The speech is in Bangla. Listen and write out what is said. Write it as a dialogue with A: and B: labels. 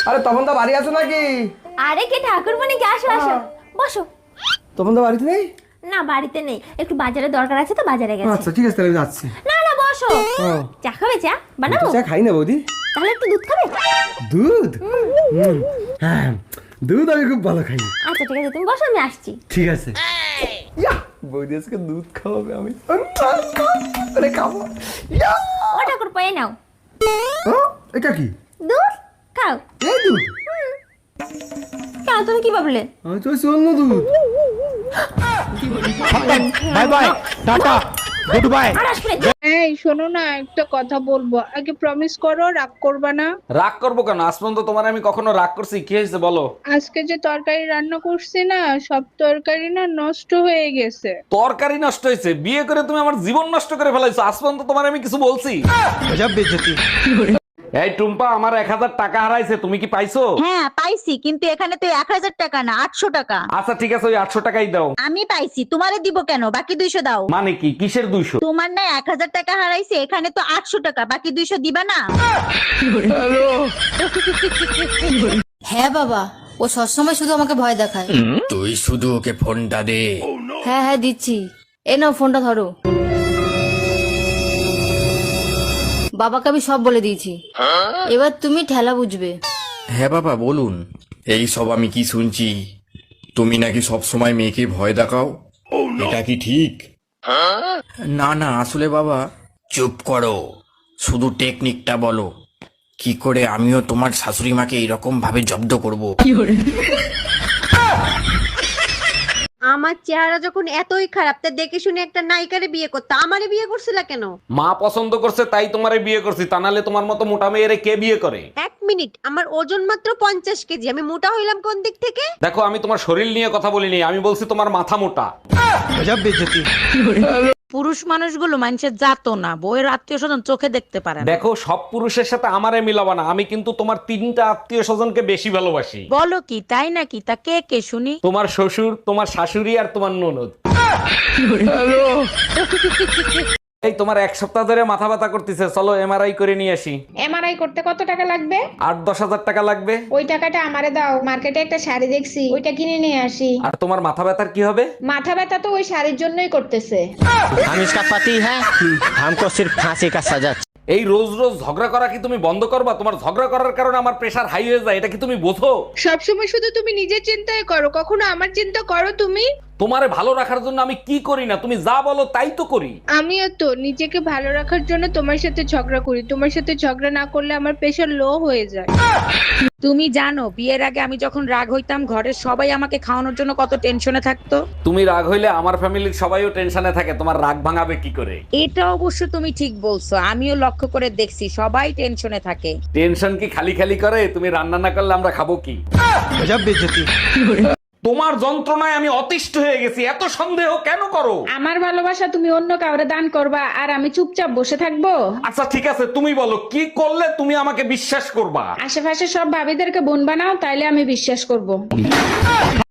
A: আরে তপন দা বাড়ি আছে নাকি?
B: আরে কে ঠাকুরমণি কে, আসো আসো বসো।
A: তপন দা বাড়িতে নেই?
B: না বাড়িতে নেই, একটু বাজারে দরকার আছে তো বাজারে গেছে।
A: আচ্ছা ঠিক আছে, তাহলে আমি যাচ্ছি।
B: না না বসো, চা খাবে? চা বানাবো?
A: চা খাই না বৌদি।
B: তাহলে একটু দুধ খাবে?
A: দুধ? হ্যাঁ দুধ আমি খুব ভালো খাই।
B: আচ্ছা ঠিক আছে, তুমি বসো, আমি আসছি।
A: ঠিক আছে। বৌদি আজকে দুধ খাওয়াবে, আমি আরে খাবো।
B: ও ঠাকুর পায়ে নাও
A: এটা কি?
B: দুধ খাও।
A: এই দুধ?
B: কেন তুমি কি ভাবলে?
A: আমি তো অন্য দুধ।
C: Bye bye, tata, goodbye.
B: আর আসবে না।
D: এই শোনো না, একটা কথা বলবো, আগে প্রমিস করো রাগ করবা না।
E: রাগ করবো কেন? আজ পর্যন্ত তোমার আমি কখনো রাগ করছি? কি হয়েছে বলো?
D: আজকে যে তরকারি রান্না করছি না, সব তরকারি না নষ্ট হয়ে গেছে।
E: তরকারি নষ্ট হয়েছে? বিয়ে করে তুমি আমার জীবন নষ্ট করে ফেলাইছো। আজ পর্যন্ত তোমার আমি কিছু বলছি?
C: গজব বেইজ্জতি।
E: এই টুম্পা, আমার 1000 টাকা হারাইছে, তুমি কি পাইছো?
F: হ্যাঁ পাইছি, কিন্তু এখানে তো 1000 টাকা না 800 টাকা।
E: আচ্ছা ঠিক আছে, ওই 800 টাকাই দাও।
F: আমি পাইছি, তোমারে দিব কেন? বাকি 200 দাও।
E: মানে কি? কিসের 200?
F: তোমার না 1000 টাকা হারাইছে, এখানে তো 800 টাকা, বাকি 200 দিবা না?
G: হ্যাঁ বাবা, ও সবসময় শুধু আমাকে ভয় দেখায়।
H: তুই শুধু ওকে ফোনটা দে।
G: হ্যাঁ হ্যাঁ দিচ্ছি, এ নাও ফোনটা ধরো। বাবাকে আমি সব বলে দিয়েছি, এবার তুমি ঠেলা বুঝবে।
H: হ্যাঁ বাবা বলুন। এই সব আমি কি শুনছি? তুমি নাকি সব সময় মেয়েকে ভয় দেখাও, এটা কি ঠিক? না না, আসলে বাবা। চুপ করো, শুধু টেকনিকটা বলো, কি করে আমিও তোমার শাশুড়ি মাকে এরকম ভাবে জব্দ করব।
I: আমার চেহারা যখন এতই খারাপ, তা দেখে শুনে একটা নায়িকারে বিয়ে করতে আমারে বিয়ে করছিলা কেন?
E: মা পছন্দ করছে তাই তোমারে বিয়ে করছি, তা নাহলে তোমার মতো মোটা মেয়েরে কে বিয়ে করে?
I: এক মিনিট, আমার ওজন মাত্র 50 কেজি, আমি মোটা হইলাম কোন দিক থেকে?
E: দেখো, আমি তোমার শরীর নিয়ে কথা বলিনি, আমি বলছি তোমার মাথা মোটা।
C: গজব বেইজ্জতি।
J: পুরুষ মানুষগুলো মানুষের জাতো না, বউয়ের আত্মীয় স্বজন চোখে দেখতে পারে না।
E: দেখো, সব পুরুষের সাথে আমারে মিলাবা না, আমি কিন্তু তোমার 3টা আত্মীয় স্বজনকে বেশি ভালোবাসি।
J: বলো কি, তাই নাকি? তা কে কে শুনি?
E: তোমার শ্বশুর, তোমার শাশুড়ি আর তোমার ননদ। এই তোমার 1 সপ্তাহ ধরে মাথা ব্যথা করতেছে, চলো এমআরআই করে নিয়ে আসি।
D: এমআরআই করতে কত টাকা লাগবে?
E: 8-10 হাজার টাকা লাগবে।
D: ওই টাকাটা আমারে দাও, মার্কেটে একটা শাড়ি দেখছি, ওইটা কিনে নিয়ে আসি।
E: আর তোমার মাথা ব্যথার কি হবে?
D: মাথা ব্যথা তো ওই শাড়ির জন্যই করতেছে।
C: हम इसका पति है, हमको सिर्फ फांसी का सजा।
E: এই রোজ রোজ ঝগড়া করা কি তুমি বন্ধ করবা? তোমার ঝগড়া করার কারণে আমার প্রেশার হাই হয়ে যায়, এটা কি তুমি বোঝো?
D: সবসময় শুধু তুমি নিজের চিন্তাই করো, কখনো আমার চিন্তা করো তুমি?
E: তোমারে ভালো রাখার জন্য আমি কি করি না? তুমি যা বলো তাই তো করি।
D: আমিও তো নিজেকে ভালো রাখার জন্য তোমার সাথে ঝগড়া করি, তোমার সাথে ঝগড়া না করলে আমার প্রেশার লো হয়ে যায়।
J: তুমি জানো বিয়ের আগে আমি যখন রাগ হইতাম, ঘরের সবাই আমাকে খাওয়ানোর জন্য কত টেনশনে থাকতো।
E: তুমি রাগ হইলে আমার ফ্যামিলির সবাইও টেনশনে থাকে, তোমার রাগ ভাঙাবে কি করে?
J: এটা অবশ্য তুমি ঠিক বলছো, আমিও লক্ষ্য করে দেখছি সবাই টেনশনে থাকে।
E: টেনশন কি খালি খালি করে? তুমি রান্না না করলে আমরা খাবো কি?
C: গজব বেইজ্জতি।
E: তোমার যন্ত্রণায় আমি অতিষ্ঠ হয়ে গেছি, এত সন্দেহ কেন করো?
D: আমার ভালোবাসা তুমি অন্য কাউরে দান করবা আর আমি চুপচাপ বসে থাকবো?
E: আচ্ছা ঠিক আছে, তুমি বলো কি করলে তুমি আমাকে বিশ্বাস করবা?
D: আশেপাশে সব ভাবিদেরকে বোন বানাও, তাইলে আমি বিশ্বাস করব।